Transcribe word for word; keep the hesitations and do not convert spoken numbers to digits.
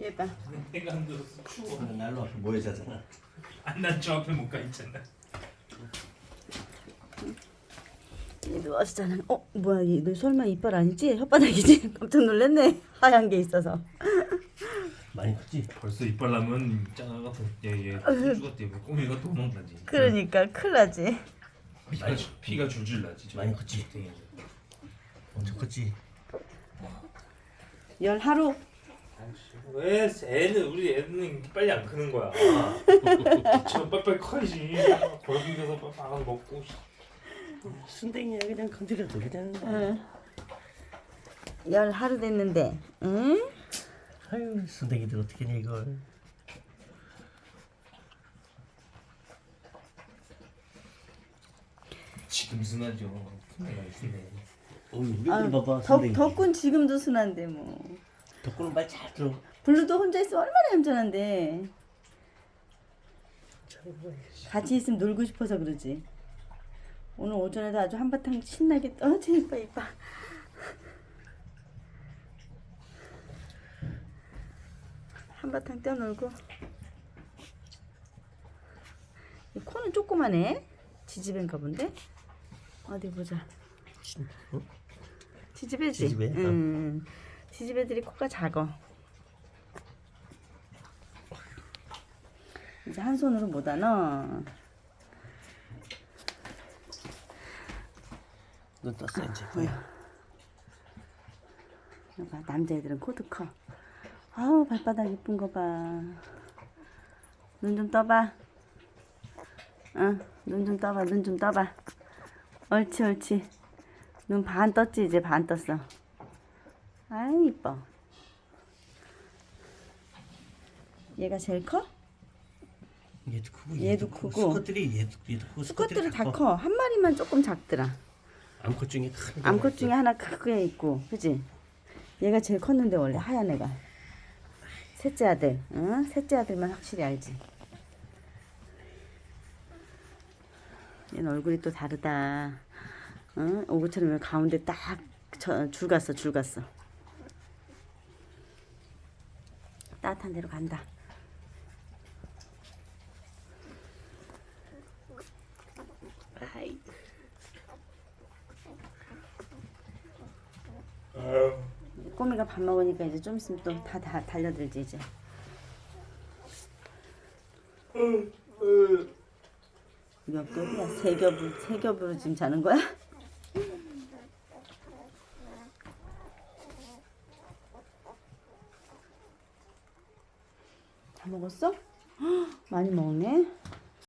얘 봐. 내가 안 들었어. 추워. 날로 앞에 모여자잖아. 안난저 앞에 못 가 있잖아. 얘 누워서 자는. 어 뭐야 얘 너 설마 이빨 아니지? 혓바닥이지? 깜짝 놀랐네. 하얀 게 있어서. 많이 컸지? 벌써 이빨 나면 짱아 같은 얘얘 수주가 때문에 꼬미가 도망가지. 그러니까 큰일 나지. 피가 줄- 피가 줄줄 나지. 저 많이 컸지? 땡이. 엄청 컸지? 열 하루. 왜 애는 우리 애는 빨리 안 크는 거야. 저 빨빨 커야지. 골비에서 빨빨 먹고. 순댕이야 그냥 건드려도 그냥. 응. 열 하루 됐는데. 응? 아유 순댕이들 어떻게 해 이걸. 지금 순하죠. 푸네가 있네. 어 우리들 아유, 봐봐 덕, 순댕이. 덕군 지금도 순한데 뭐. 덕구는 말 잘 들어. 블루도 혼자 있으면 얼마나 얌전한데. 같이 있으면 놀고 싶어서 그러지. 오늘 오전에도 아주 한바탕 신나게 떨어지 이뻐 이뻐. 한바탕 뛰어놀고. 이 코는 조그마네. 지지배인가 본데. 어디 보자. 어? 지지배지. 지지배? 응. 지지배들이 코가 작어. 이제 한 손으로 못 하나. 눈 떴어 이제. 봐, 남자애들은 코도 커. 아우 발바닥 이쁜 거 봐. 눈 좀 떠봐. 응, 눈 좀 떠봐. 눈 좀 떠봐. 옳지 옳지. 눈 반 떴지 이제 반 떴어. 아이 이뻐. 얘가 제일 커? 얘도 크고 얘도 크고. 수컷들이 얘도 얘도 크고 수컷들이 다 커. 한 마리만 조금 작더라. 암컷 중에 큰 게 암컷 중에 하나 크게 있고, 그지? 얘가 제일 컸는데 원래 하얀 애가. 셋째 아들, 응? 셋째 아들만 확실히 알지. 얘는 얼굴이 또 다르다. 응? 오구처럼 여기 가운데 딱 줄 갔어, 줄 갔어. 따뜻한 데로 간다. 아이. 꼬미가 밥 먹으니까 이제 좀 있으면 또 다 다 달려들지 이제. 몇 겹이야? 세 겹을 세 겹으로 지금 자는 거야? 다 먹었어? 헉, 많이 먹네.